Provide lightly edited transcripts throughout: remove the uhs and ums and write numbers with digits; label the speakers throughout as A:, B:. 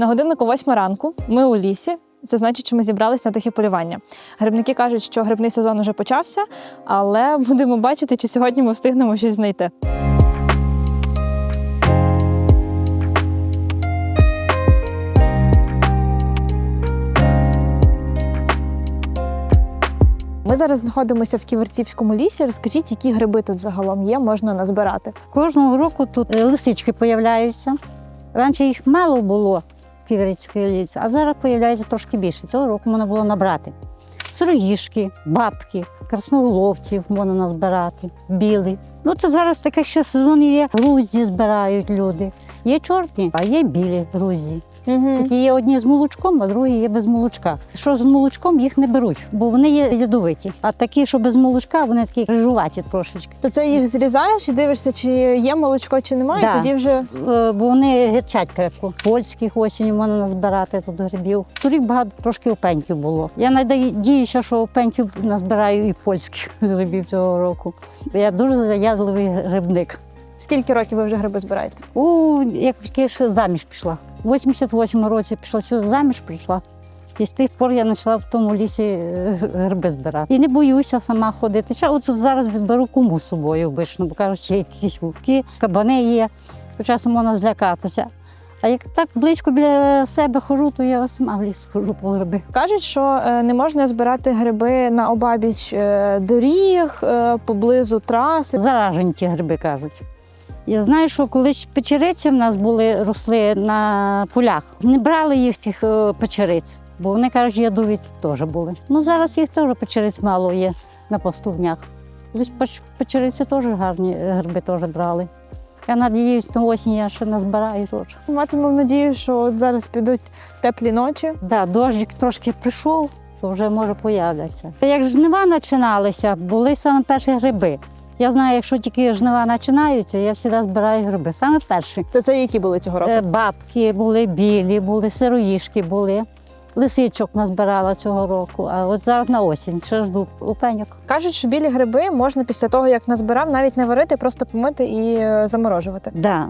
A: На годиннику 8 ранку, ми у лісі. Це значить, що ми зібрались на тихе полювання. Грибники кажуть, що грибний сезон уже почався, але будемо бачити, чи сьогодні ми встигнемо щось знайти. Ми зараз знаходимося в Ківерцівському лісі. Розкажіть, які гриби тут загалом є, можна назбирати?
B: Кожного року тут лисички з'являються. Раніше їх мало було в Ківерцівському лісі, а зараз з'являється трошки більше. Цього року можна було набрати. Сироїшки, бабки, красноголовців можна назбирати, білий. Ну, це зараз таке ще сезон є. Грузді збирають люди. Є чорні, а є білі грузді. Такі є одні з молочком, а другі є без молочка. Що з молочком, їх не беруть, бо вони є ядовиті. А такі, що без молочка, вони такі крижуваті трошечки.
A: То це їх зрізаєш і дивишся, чи є молочко, чи немає,
B: Да.
A: тоді вже…
B: Бо вони гірчать крепко. Польських осінь можна назбирати тут грибів. Торік багато трошки опеньків булбуло. Я надіюся, що опеньків назбираю і польських грибів цього року. Я дуже заядливий грибник.
A: Скільки років ви вже гриби збираєте?
B: Як тільки ще заміж пішла. У 88-му році пішла сюди, заміж прийшла. І з тих пор я почала в тому лісі гриби збирати. І не боюся сама ходити. Ще от зараз відберу куму з собою обично, бо кажуть, що якісь вовки, кабани є. Часом можна злякатися. А як так близько біля себе ходжу, то я сама в ліс ходжу по гриби.
A: Кажуть, що не можна збирати гриби на обабіч доріг, поблизу траси.
B: Заражені ті гриби, кажуть. Я знаю, що колись печериці в нас росли на полях. Не брали їх тих печериць, бо вони, кажуть, ядовиті теж були. Ну, зараз їх теж печериць мало є на пастувнях. Колись печериці теж гарні гриби теж брали. Я надіюсь, на осінь я ще назбираю теж.
A: Матимемо надію, що от зараз підуть теплі ночі.
B: Да, дощик трошки прийшов, то вже може появляться. Як жнива починалися, були саме перші гриби. Я знаю, якщо тільки жнива починаються, я завжди збираю гриби. Саме перші.
A: То це які були цього року?
B: Бабки були, білі були, сироїшки були. Лисичок назбирала цього року, а от зараз на осінь ще жду опеньок.
A: Кажуть, що білі гриби можна після того, як назбирав, навіть не варити, просто помити і заморожувати.
B: Так,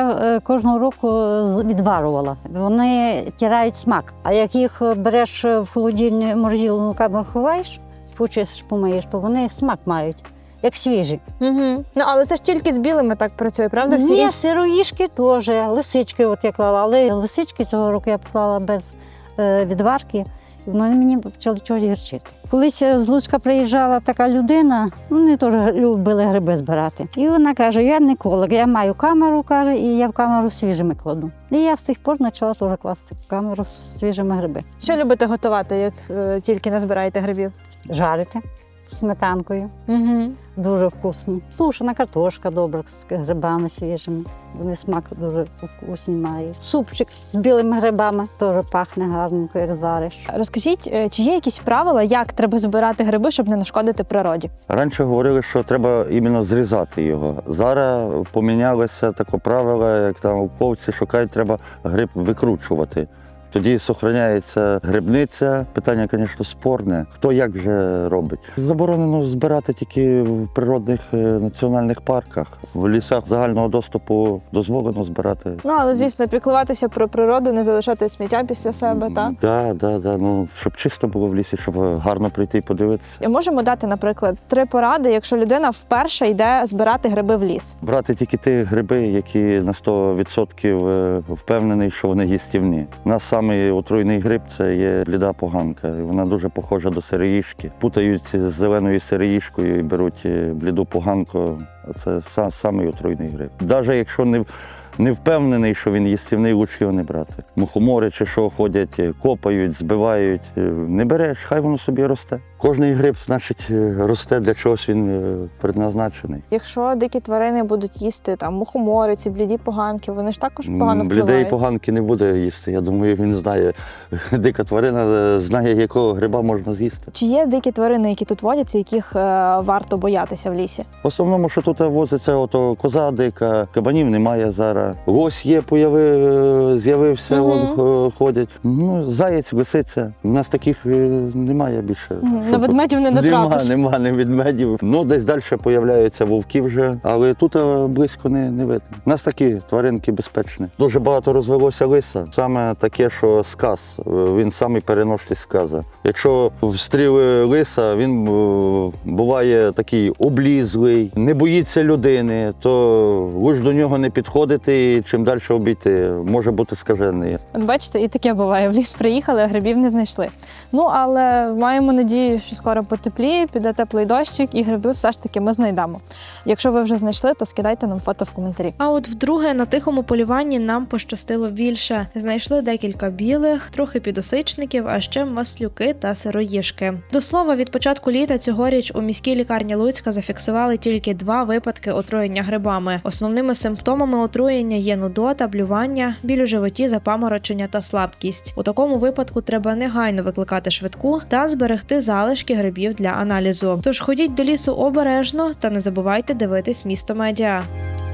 B: я кожного року відварувала. Вони тирають смак. А як їх береш в холодильну морозильну камеру ховаєш, почистиш, помиєш, то вони смак мають. Як свіжі.
A: Ну, але це ж тільки з білими так працює, правда? Всі
B: Ні, сироїшки теж, лисички от я клала, але лисички цього року я поклала без відварки, і вони мені почали чогось гірчити. Колись з Луцька приїжджала така людина, вони теж любили гриби збирати. І вона каже, я не еколог, я маю камеру, каже, і я в камеру свіжими кладу. І я з тих пор почала теж класти в камеру з свіжими гриби.
A: Що любите готувати, як тільки назбираєте грибів?
B: Жарити сметанкою.
A: Угу.
B: Дуже вкусні. Тушена картошка добра з грибами свіжими. Вони смак дуже вкусний мають. Супчик з білими грибами теж пахне гарненько, як звариш.
A: Розкажіть, чи є якісь правила, як треба збирати гриби, щоб не нашкодити природі?
C: Раніше говорили, що треба іменно зрізати його. Зараз помінялося таке правило, як там науковці шукають, треба гриб викручувати. Тоді зберігається грибниця. Питання, звісно, спорне. Хто як вже робить. Заборонено збирати тільки в природних національних парках. В лісах загального доступу дозволено збирати.
A: Ну, але, звісно, піклуватися про природу, не залишати сміття після себе, так?
C: Так. Ну, щоб чисто було в лісі, щоб гарно прийти і подивитися.
A: Можемо дати, наприклад, 3 поради, якщо людина вперше йде збирати гриби в ліс.
C: Брати тільки ті гриби, які на 100% впевнений, що вони їстівні. Самий отруйний гриб – це є бліда поганка. Вона дуже похожа до сироїшки. Путають з зеленою сироїшкою і беруть бліду поганку. Це самий отруйний гриб. Навіть якщо не впевнений, що він їстівний, краще його не брати. Мухомори чи що ходять, копають, збивають. Не береш, хай воно собі росте. Кожний гриб, значить, росте, для чогось він предназначений.
A: Якщо дикі тварини будуть їсти там мухомори, ці бліді поганки, вони ж також погано впливають.
C: Блідої поганки не буде їсти. Я думаю, він знає. Дика тварина знає, якого гриба можна з'їсти.
A: Чи є дикі тварини, які тут водяться, яких варто боятися в лісі?
C: В основному, що тут возиться, коза дика, кабанів немає зараз. Вовка, лось є, з'явився, ходять. Ну, заєць, лисиця. У нас таких немає більше.
A: На ведмедів не натрапиш.
C: Нема ведмедів. Ну, десь далі з'являються вовки вже, але тут близько не видно. У нас такі тваринки безпечні. Дуже багато розвелося лиса. Саме таке, що сказ. Він самий переносний сказа. Якщо встріли лиса, він буває такий облізлий, не боїться людини, то лиш до нього не підходити і чим далі обійти, може бути скажений.
A: От бачите, і таке буває. В ліс приїхали, а грибів не знайшли. Ну, але маємо надію, що скоро потепліє, піде теплий дощик, і гриби все ж таки ми знайдемо. Якщо ви вже знайшли, то скидайте нам фото в коментарі. А от вдруге на тихому полюванні нам пощастило більше. Знайшли декілька білих, трохи підосичників, а ще маслюки та сироїжки. До слова, від початку літа цьогоріч у міській лікарні Луцька зафіксували тільки 2 випадки отруєння грибами. Основними симптомами отруєння є нудота, блювання, біль у животі, запаморочення та слабкість. У такому випадку треба негайно викликати швидку та зберегти залишки грибів для аналізу. Тож ходіть до лісу обережно та не забувайте дивитись «Місто Медіа».